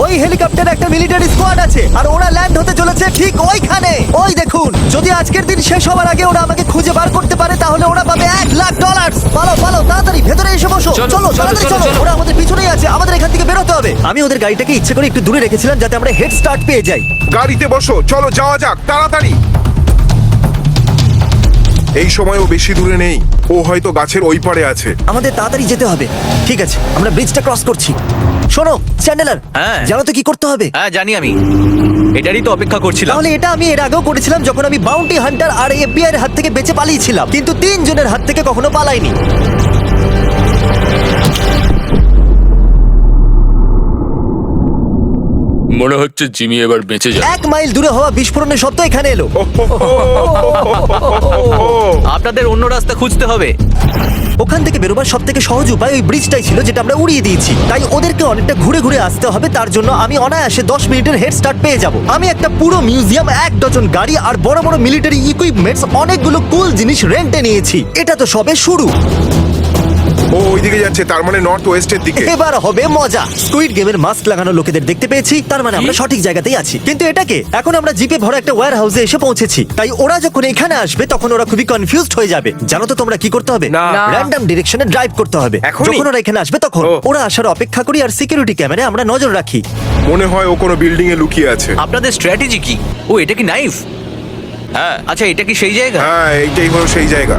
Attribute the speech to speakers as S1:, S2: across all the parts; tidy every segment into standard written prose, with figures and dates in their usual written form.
S1: ওই হেলিকপ্টারে একটা মিলিটারি স্কোয়াড আছে আর ওরা ল্যান্ড হতে চলেছে ঠিক ওইখানে। ওই দেখুন, যদি আজকের দিন শেষ হওয়ার আগে ওরা আমাকে খুঁজে বার করতে পারে তাহলে ওরা পাবে $1,00,000। পালো পালো, তাড়াতাড়ি ভেতরে এসে বসো। চলো তাড়াতাড়ি চলো, ওরা আমাদের পিছনেই আছে, আমাদের এখান থেকে বেরোতে হবে। আমি ওদের গাড়িটাকে ইচ্ছে করে একটু দূরে রেখেছিলাম যাতে আমরা হেড স্টার্ট পেয়ে যাই।
S2: গাড়িতে বসো, চলো যাওয়া যাক তাড়াতাড়ি। এই সময়ও বেশি দূরে নেই, ও হয়তো গাছের ওই পারে আছে।
S1: আমাদের তাড়াতাড়ি যেতে হবে। ঠিক আছে, আমরা ব্রিজটা ক্রস করছি। শোনো চ্যান্ডেলার,
S3: হ্যাঁ।
S1: জানো তো কি করতে হবে?
S3: হ্যাঁ জানি আমি, এটারই তো অপেক্ষা করছিলাম।
S1: তাহলে এটা আমি এর আগেও করেছিলাম যখন আমি বাউন্টি হান্টার আর FBI এর হাত থেকে বেঁচে পালিয়েছিলাম, কিন্তু 3 জনের হাত থেকে কখনো পালাইনি।
S4: মনে হচ্ছে জিমি এবার বেঁচে যাবে।
S1: 1 মাইল দূরে হওয়া বিস্ফোরণের শব্দ এখানে এলো।
S3: আপনাদের অন্য রাস্তা খুঁজতে হবে।
S1: ওখান থেকে বেরোবার সব থেকে সহজ উপায় ওই ব্রিজটাই ছিল যেটা আমরা উড়িয়ে দিয়েছি। তাই ওদেরকে অনেকটা ঘুরে ঘুরে আসতে হবে, তার জন্য আমি অনায়াসে 10 মিনিটের হেড স্টার্ট পেয়ে যাব। আমি একটা পুরো মিউজিয়াম, 1 ডজন গাড়ি আর বড় বড় মিলিটারি ইকুইপমেন্টস, অনেকগুলো কুল জিনিস রেন্টে নিয়েছি। এটা তো সবে শুরু।
S2: ও ওইদিকে যাচ্ছে, তার মানে নর্থ ওয়েস্টের দিকে।
S1: এবার হবে মজা। স্কুইড গেমের মাস্ক লাগানো লোকেদের দেখতে পেয়েছি, তার মানে আমরা সঠিক জায়গাতেই আছি। কিন্তু এটাকে এখন আমরা জিপে ভরা একটা ওয়্যার হাউসে এসে পৌঁছেছি। তাই ওরা যখন এখানে আসবে তখন ওরা খুবই কনফিউজড হয়ে যাবে। জানো তো তোমরা কি করতে হবে?
S2: না।
S1: র্যান্ডম ডিরেকশনে ড্রাইভ করতে হবে।
S2: এখনই?
S1: যখন ওরা এখানে আসবে তখন
S2: ও।
S1: ওরা আসার অপেক্ষা করি আর সিকিউরিটি ক্যামেরায় আমরা নজর রাখি।
S2: মনে হয় ও কোনো বিল্ডিং এ লুকিয়ে আছে।
S3: আপনাদের স্ট্র্যাটেজি কি? ও এটা কি নাইফ? হ্যাঁ আচ্ছা, এটা কি সেই জায়গা?
S2: হ্যাঁ এইটাই হলো সেই জায়গা।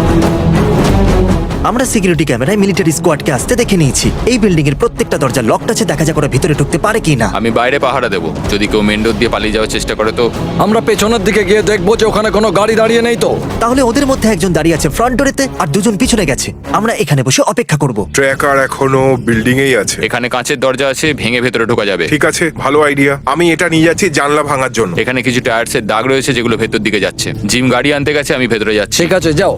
S1: আমরা সিকিউরিটি ক্যামেরায় মিলিটারি স্কোয়াডকে আসতে দেখে নিয়েছি। এই বিল্ডিং এর প্রত্যেকটা দরজা লকড আছে, দেখা যাক ওরা ভিতরে ঢুকতে পারে কিনা।
S4: আমি বাইরে পাহারা দেবো, যদি কেউ মেন ডোর দিয়ে পালিয়ে যাওয়ার চেষ্টা করে তো।
S5: আমরা পেছনের দিকে গিয়ে দেখবো যে ওখানে কোনো গাড়ি দাঁড়িয়ে নেই তো।
S1: তাহলে ওদের মধ্যে একজন দাঁড়িয়ে আছে ফ্রন্ট ডোরেতে আর 2 জন পিছনে গেছে। আমরা এখানে বসে অপেক্ষা করব।
S2: ট্র্যাকার এখনো বিল্ডিং এই আছে।
S4: এখানে কাঁচের দরজা আছে, ভেঙে ভেতরে ঢোকা যাবে।
S2: ঠিক আছে, ভালো আইডিয়া। আমি এটা নিয়ে যাচ্ছি জানলা ভাঙার জন্য।
S4: এখানে কিছু টায়ার্সের দাগ রয়েছে যেগুলো ভেতর দিকে যাচ্ছে। জিম গাড়ি আনতে গেছে, আমি ভেতরে যাচ্ছি।
S5: ঠিক আছে যাও।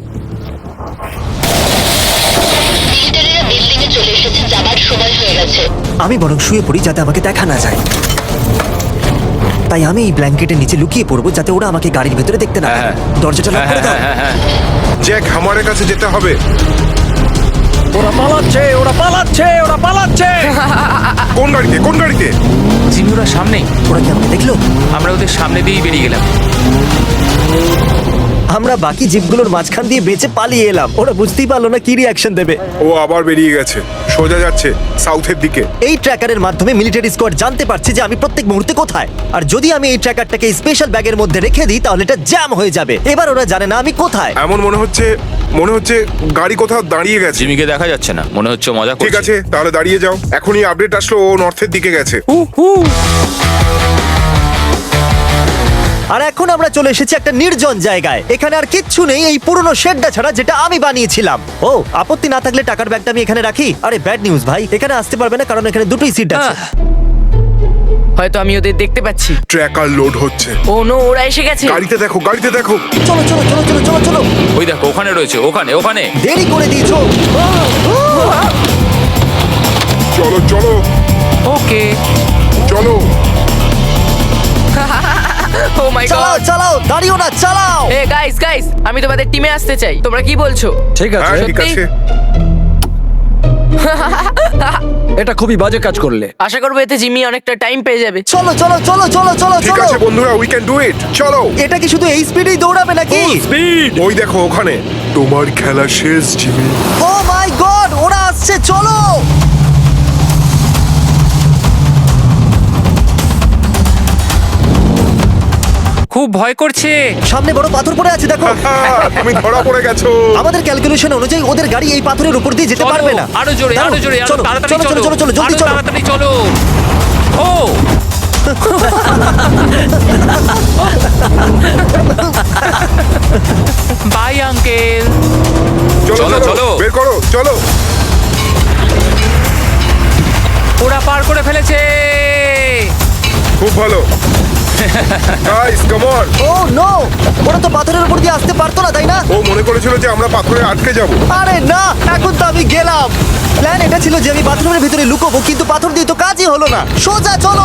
S6: মিলিটারিরা বিল্ডিং এ চলে এসেছে, যাবার সময় হয়ে গেছে।
S1: আমি বরং শুয়ে পড়ি যাতে আমাকে দেখা না যায়। তাই আমি এই ব্ল্যাঙ্কেটের নিচে লুকিয়ে পড়বো যাতে ওরা আমাকে গাড়ির ভেতরে দেখতে না পায়।
S4: হ্যাঁ।
S1: দরজাটা লক করে দাও।
S4: হ্যাঁ।
S2: জ্যাক, হামারের কাছে যেতে হবে।
S5: ওরা পালাচ্ছে, ওরা পালাচ্ছে, ওরা পালাচ্ছে।
S2: কোন গাড়িতে, কোন গাড়িতে?
S3: জিমি ওরা সামনেই।
S1: ওরা কি আমাকে দেখলো?
S3: আমরা ওদের সামনে দিয়েই বেরিয়ে গেলাম।
S1: আমরা বাকি জিপগুলোর মাঝখান দিয়ে বেঁচে পালিয়ে এলাম। ওরা বুঝতেই পারলো না কি রিয়াকশন দেবে।
S2: ও আবার বেরিয়ে গেছে, সোজা যাচ্ছে সাউথের দিকে।
S1: এই ট্র্যাকারের মাধ্যমে মিলিটারি স্কোয়াড জানতে পারছে যে আমি প্রত্যেক মুহূর্তে কোথায়। আর যদি আমি এই ট্র্যাকারটাকে স্পেশাল ব্যাগের মধ্যে রেখে দিই তাহলে এটা জ্যাম হয়ে যাবে। এবার ওরা জানে না আমি কোথায়।
S2: এমন মনে হচ্ছে গাড়ি কোথাও দাঁড়িয়ে গেছে।
S4: জিমিকে দেখা যাচ্ছে না, মনে হচ্ছে মজা
S2: ঠিক
S4: করছে।
S2: আছে, তাহলে দাঁড়িয়ে যাও। এখনই আপডেট আসলো ও নর্থের দিকে গেছে।
S1: আর এখন আমরা চলে এসেছি একটা নির্জন জায়গায়। এখানে আর কিচ্ছু নেই এই পুরনো শেডটা ছাড়া যেটা আমি বানিয়েছিলাম। ও, আপত্তি না থাকলে টাকার ব্যাগটা আমি এখানে রাখি। আরে ব্যাড নিউজ ভাই, এখানে আসতে পারবে না কারণ এখানে দুটোই সিট আছে।
S7: হয়তো আমি ওদের দেখতে পাচ্ছি।
S2: ট্র্যাকার লোড হচ্ছে।
S7: ও নো, ওরা এসে গেছে।
S2: গাড়িতে দেখো, গাড়িতে দেখো।
S1: চলো চলো চলো চলো চলো চলো।
S4: ওই দেখো, ওখানে রয়েছে, ওখানে।
S1: দেরি করে দিয়েছো।
S2: চলো চলো
S7: ওকে।
S2: চলো।
S7: ও মাই
S1: চালাও
S7: গড।
S1: চালাও, দাঁড়িও না, চালাও।
S7: এ গাইস, আমি তোমাদের টিমে আসতে চাই। তোমরা কি বলছো?
S5: ঠিক আছে,
S2: হ্যাঁ ঠিক
S7: সত্যি?
S2: আছে।
S5: এটা খুবই বাজে কাজ করলে।
S7: আশা করবো এতে জিমি অনেকটা টাইম পেয়ে যাবে।
S1: চলো চলো চলো চলো চলো
S2: ঠিক
S1: চলো।
S2: আছে বন্ধুরা, উই ক্যান ডু ইট। চলো।
S1: এটা কি শুধু এই স্পিডেই দৌড়াবে নাকি?
S5: স্পিড।
S2: ওই দেখো ওখানে। তোমার খেলা শেষ জিমি।
S1: ও মাই গড, ওরা আসছে, চলো।
S3: খুব ভয় করছে।
S1: সামনে বড় পাথর পড়ে আছে, দেখো।
S2: তুমি ধরা পড়ে গেছো।
S1: আমাদের ক্যালকুলেশন অনুযায়ী ওদের গাড়ি এই পাথরের উপর দিয়ে যেতে
S3: চলো,
S1: পারবে না।
S3: আরো জোরে,
S1: দাঁড়াও,
S3: আরো জোরে, আরো
S1: চলো,
S3: তাড়াতাড়ি
S1: চলো চলো চলো চলো, জলদি
S3: আরো
S1: চলো।
S3: তাড়াতাড়ি চলো। ও বাই আঙ্কেল।
S2: চলো
S4: চলো,
S2: চলো
S4: চলো।
S2: বের করো, চলো।
S3: ওরা পার করে ফেলেছে।
S2: খুব ভালো। Guys come on.
S1: Oh no, ওরা তো পাথরের উপর দিয়ে আসতে পারতো না, তাই না?
S2: ও মনে করেছিল যে আমরা পাথরে আটকে যাব।
S1: আরে না, এখন তো আমি গেলাম। প্ল্যান এটা ছিল যে আমি বাথরুমের ভিতরে লুকোবো, কিন্তু পাথর দিয়ে তো কাজই হলো না। সোজা চলো।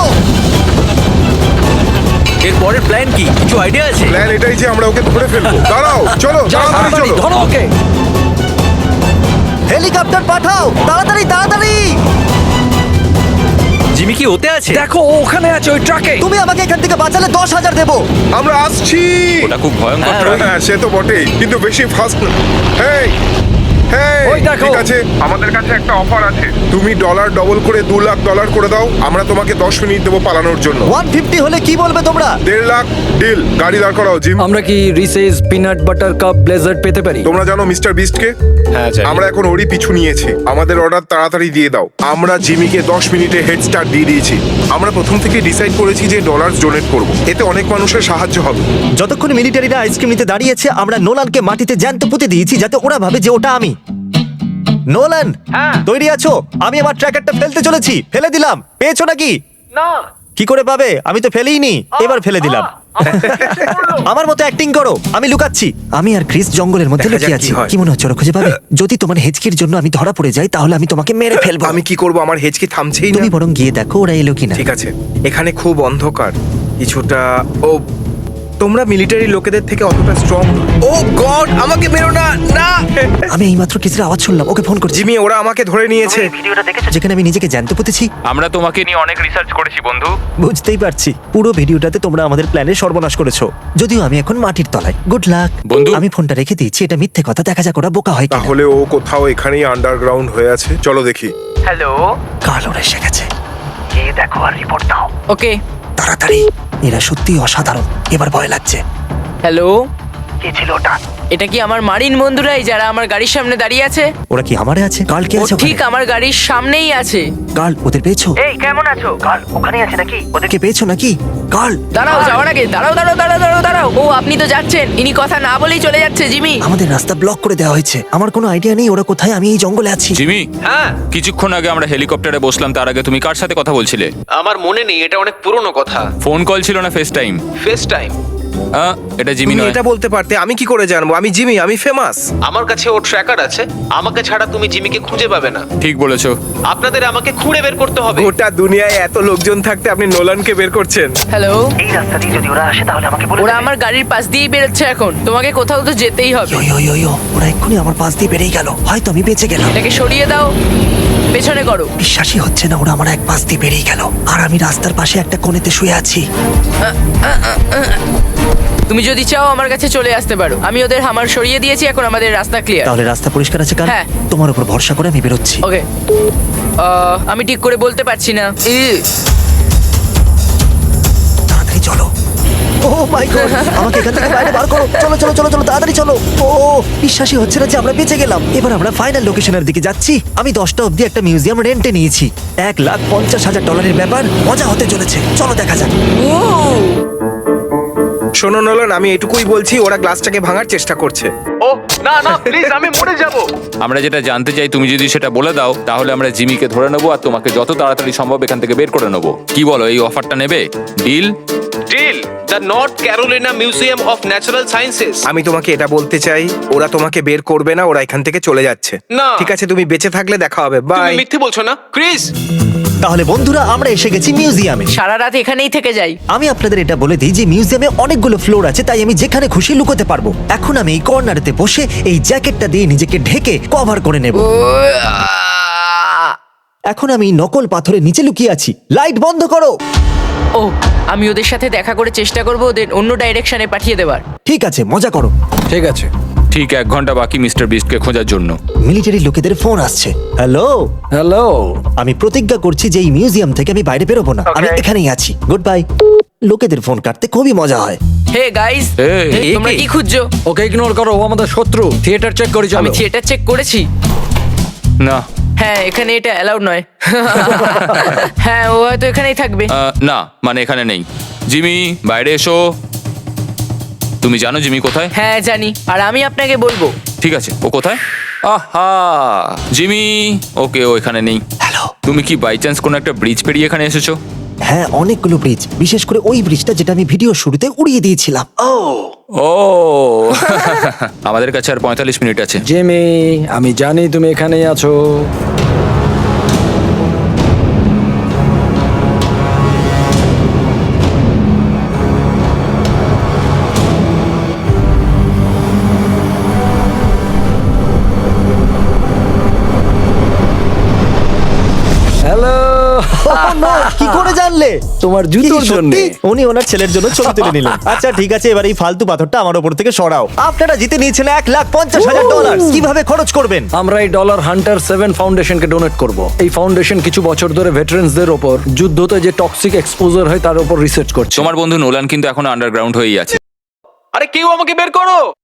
S3: এর পরের প্ল্যান কি? কিছু আইডিয়া আছে?
S2: প্ল্যান এটাই যে আমরা ওকে ধরে ফেলবো। দাঁড়াও, চলো
S5: যাও
S2: তাড়াতাড়ি
S5: তাড়াতাড়ি,
S2: চলো।
S5: ধরো ওকে।
S1: হেলিকপ্টার পাঠাও, তাড়াতাড়ি তাড়াতাড়ি।
S3: জিমি কি ওতে আছে?
S5: দেখো ও ওখানে আছে ওই ট্রাকে।
S1: তুমি আমাকে এখান থেকে বাঁচালে 10,000 দেবো।
S2: আমরা আসছি।
S4: ওটা খুব ভয়ঙ্কর ট্রাক।
S2: হ্যাঁ সে তো বটেই, কিন্তু বেশি ফাস্ট না। হেই হেই,
S5: ওই দেখো।
S2: ঠিক আছে, আমাদের কাছে একটা অফার আছে। তুমি ডলার ডবল করে $2,00,000 করে দাও, আমরা তোমাকে 10 মিনিট দেবো পালানোর জন্য।
S1: 150 হলে কি বলবে তোমরা?
S2: 1.5 লাখ ডিল। গাড়ি দাঁড় করাও জিম।
S5: আমরা কি Reese's peanut butter cup blazer পেতে পারি?
S2: তোমরা জানো মিস্টার বিস্টকে?
S4: হ্যাঁ জানি।
S2: আমরা এখন ওরই পিছু নিয়েছি। আমাদের অর্ডার তাড়াতাড়ি দিয়ে দাও। আমরা জিমিকে 10 মিনিটে হেড স্টার্ট দিয়ে দিয়েছি। আমরা প্রথম থেকে ডিসাইড করেছি যে ডলার ডোনেট করব, এতে অনেক মানুষের সাহায্য হবে।
S1: যতক্ষণ মিলিটারিরা আইসক্রিম নিতে দাঁড়িয়েছে, আমরা নোলানকে মাটিতে জ্যান্ত পুঁতে দিয়েছি যাতে ওরা ভাবে যে ওটা আমি। নোলান, তৈরি আছো? আমি আমার ট্র্যাকারটা ফেলতে চলেছি। ফেলে দিলাম। পেয়েছো নাকি?
S7: না।
S1: কি করে পাবে? আমি তো ফেলেইনি। এবার ফেলে দিলাম। আমার মতো অ্যাক্টিং করো। আমি লুকাচ্ছি। আমি আর ক্রিস জঙ্গলের মধ্যে
S2: দেখা যাক
S1: লুকিয়ে
S2: কি
S1: আছি।
S2: হয়।
S1: কি মনে হচ্ছে ওরা খুঁজে পাবে? যদি তোমার হেঁচকির জন্য আমি ধরা পড়ে যাই তাহলে আমি তোমাকে মেরে ফেলবো।
S2: আমি কি করব? আমার হেঁচকি থামছেই না।
S1: তুমি বরং গিয়ে দেখো ওরা এলো কিনা।
S2: ঠিক আছে, এখানে খুব অন্ধকার কিছুটা। ও, তোমরা মিলিটারি লোকেদের থেকে অতটা স্ট্রং। ও গড, আমাকে মেরো না, না।
S1: আমি এইমাত্র ক্রিসের আওয়াজ শুনলাম। ওকে ফোন করছি।
S2: জিমি, ওরা আমাকে ধরে নিয়েছে।
S1: যেখানে আমি নিজেকে জ্যান্ত পুঁতেছি।
S4: আমরা তোমাকে নিয়ে অনেক রিসার্চ করেছি বন্ধু।
S1: বুঝতেই পারছি। পুরো ভিডিওটাতে তোমরা আমাদের প্ল্যানের সর্বনাশ করেছো। যদিও আমি এখন মাটির তলায়। গুড লাক
S4: বন্ধু।
S1: আমি ফোনটা রেখে দিয়েছি। এটা মিথ্যে কথা। দেখা যাক ওরা বোকা হয় কিনা।
S2: তাহলে ও কোথাও এখানেই আন্ডারগ্রাউন্ড হয়ে আছে। চলো দেখি।
S7: হ্যালো।
S1: কাল ওরা এসে গেছে।
S7: ওকে।
S1: তাড়াতাড়ি। এরা সত্যি অসাধারণ। এবার ভয় লাগছে।
S7: হ্যালো। এটা কি আমার মারিন বন্ধুরাই যারা আমার গাড়ির সামনে দাঁড়িয়ে আছে?
S1: ওরা কি আমারে আছে? কাল কে
S7: ও
S1: আছে?
S7: ঠিক আমার গাড়ির সামনেই আছে।
S1: কাল ওদের পেয়েছো?
S7: এই কেমন আছো?
S1: ওদেরকে পেয়েছো নাকি? কাল
S7: দাঁড়াও, যাওয়ার আগে দাঁড়াও। ও আপনি তো যাচ্ছেন। ইনি কথা না বলেই চলে যাচ্ছে জিমি।
S1: আমাদের রাস্তা ব্লক করে দেওয়া হয়েছে। আমার কোনো আইডিয়া নেই ওরা কোথায়। আমি এই জঙ্গলে আছি।
S4: জিমি,
S3: হ্যাঁ,
S4: কিছুক্ষণ আগে আমরা হেলিকপ্টারে বসলাম, তার আগে তুমি কার সাথে কথা বলছিলে?
S3: আমার মনে নেই, এটা অনেক পুরনো কথা।
S4: ফোন কল ছিল না ফেস টাইম?
S3: FaceTime.
S4: এটা জিমি
S2: তুমি
S4: নয়।
S2: এটা বলতে পারতে, আমি কি করে জানবো? আমি জিমি, আমি ফেমাস।
S3: আমার কাছে ওর ট্র্যাকার আছে। আমাকে ছাড়া তুমি জিমিকে খুঁজে পাবে না।
S4: ঠিক বলেছো।
S3: আপনাদের আমাকে খুঁড়ে বের করতে হবে।
S2: গোটা দুনিয়ায় এত লোকজন থাকতে আপনি নোলানকে বের করছেন।
S7: হ্যালো। ওরা আমার গাড়ির পাশ দিয়েই বেরোচ্ছে এখন। তোমাকে কোথাও তো যেতেই হবে।
S1: ইয়ো, ওরা এক্ষুনি আমার পাশ দিয়ে বেরিয়ে গেল। হয়তো আমি বেঁচে গেলাম।
S7: এটাকে সরিয়ে দাও, পেছনে করো।
S1: বিশ্বাসই হচ্ছে না ওরা আমার এক পাশ দিয়ে বেরিয়ে গেল। আর আমি রাস্তার পাশে একটা কোণেতে শুয়ে আছি।
S7: তুমি যদি চাও আমার কাছে চলে আসতে পারো। আমি ওদের হামার সরিয়ে দিয়েছি, এখন আমাদের রাস্তা ক্লিয়ার।
S1: তাহলে রাস্তা পরিষ্কার আছে কাল?
S7: হ্যাঁ।
S1: তোমার উপর ভরসা করে আমি বেরোচ্ছি।
S7: ওকে। আমি ঠিক করে বলতে পারছি না।
S1: তাড়াতাড়ি চলো। ও মাই গড, আমাকে এখান থেকে বাইরে বার করো। চলো তাড়াতাড়ি চলো। ও বিশ্বাসই হচ্ছে না যে আমরা বেঁচে গেলাম। এবার আমরা ফাইনাল লোকেশনের দিকে যাচ্ছি। আমি 10টা অবধি একটা মিউজিয়াম রেন্টে নিয়েছি। $1,50,000 ব্যাপার। মজা হতে চলেছে। চলো দেখা যাক।
S2: শোনো নোলান, আমি এটুকুই বলছি, ওরা গ্লাসটাকে ভাঙার চেষ্টা করছে।
S3: ও না না, প্লিজ, আমি মরে যাব।
S4: আমরা যেটা জানতে চাই তুমি যদি সেটা বলে দাও, তাহলে আমরা জিমিকে ধরে নেবো আর তোমাকে যত তাড়াতাড়ি সম্ভব এখান থেকে বের করে নেবো। কি বলো, এই অফারটা নেবে? Deal?
S3: Deal. The North Carolina Museum of Natural Sciences.
S2: আমি তোমাকে এটা বলতে চাই, ওরা তোমাকে বের করবে না, ওরা এখান থেকে চলে যাচ্ছে।
S3: না।
S2: ঠিক আছে, তুমি বেঁচে থাকলে দেখা হবে।
S3: তুমি
S2: বাই।
S3: মিথ্যে বলছো না, ক্রিস?
S1: তাহলে বন্ধুরা, আমরা এসে গেছি মিউজিয়ামে।
S7: সারা রাত এখানেই থেকে যাই।
S1: আমি আপনাদের এটা বলে দিই যে মিউজিয়ামে অনেকগুলো ফ্লোর আছে, তাই আমি যেখানে খুশি লুকোতে পারবো। এখন আমি এই কর্নারেতে বসে এই জ্যাকেটটা দিয়ে নিজেকে ঢেকে কভার করে নেব। এখন আমি নকল পাথরের নিচে লুকিয়ে আছি। লাইট বন্ধ করো।
S7: ও, আমি ওদের সাথে দেখা করে চেষ্টা করবো ওদের অন্য ডাইরেকশনে পাঠিয়ে দেওয়ার।
S1: ঠিক আছে, মজা করো।
S5: ঠিক আছে।
S4: ঠিক 1 ঘন্টা বাকি মিস্টার বিস্টকে খোঁজার জন্য।
S1: মিলিটারি লোকেদের ফোন আসছে। Hello,
S5: hello.
S1: আমি প্রতিজ্ঞা করছি যে এই মিউজিয়াম থেকে আমি বাইরে বেরোবো না। আমি এখানেই আছি। Good bye. লোকেদের ফোন কাটতে খুবই মজা হয়।
S7: হে গাইস,
S4: এই,
S7: তোমরা কি খুঁজছো?
S5: ওকে ইগনোর করো, ও আমাদের শত্রু। থিয়েটার চেক করি চলো।
S7: আমি থিয়েটার চেক করেছি।
S4: না।
S7: হ্যাঁ, এখানে এটা অ্যালাউড নয়। হ্যাঁ, ও হয়তো এখানেই থাকবে।
S4: না, মানে এখানে নেই। জিমি, বাইরে এসো। তুমি জানো জিমি কোথায়?
S7: হ্যাঁ জানি, আর আমি আপনাকে বলবো।
S4: ঠিক আছে, ও কোথায়? আহা, জিমি। ওকে, ও এখানে নেই।
S1: হ্যালো।
S4: তুমি কি বাই চান্স কোনো একটা ব্রিজ পেরিয়ে এখানে এসেছো?
S1: হ্যাঁ, অনেকগুলো ব্রিজ, বিশেষ করে ওই ব্রিজটা যেটা আমি ভিডিও শুরুতে উড়িয়ে দিয়েছিলাম।
S4: ও আমাদের কাছে আর 45 মিনিট আছে।
S5: জিমি, আমি জানি তুমি এখানেই আছো। হ্যালো।
S1: আনলে?
S5: তোমার
S1: কি,
S5: জুতোর জন্য।
S1: সত্যি? উনি ওনার ছেলের জন্য ছবি তুলে নিলেন। আচ্ছা ঠিক আছে, এবার এই ফালতু পাথরটা আমার উপর থেকে সরাও। আপনারা জিতে নিয়েছেন $1,50,000। কিভাবে খরচ করবেন?
S5: আমরা এই ডলার হান্টার 7 ফাউন্ডেশনকে ডোনেট করব। এই ফাউন্ডেশন কিছু বছর ধরে ভেটারেন্সদের ওপর যুদ্ধতে যে টক্সিক এক্সপোজার হয় তার উপর রিসার্চ করছে।
S4: তোমার বন্ধু নোলান কিন্তু এখন আন্ডারগ্রাউন্ড হয়েই আছে। আরে কেউ আমাকে বের করো।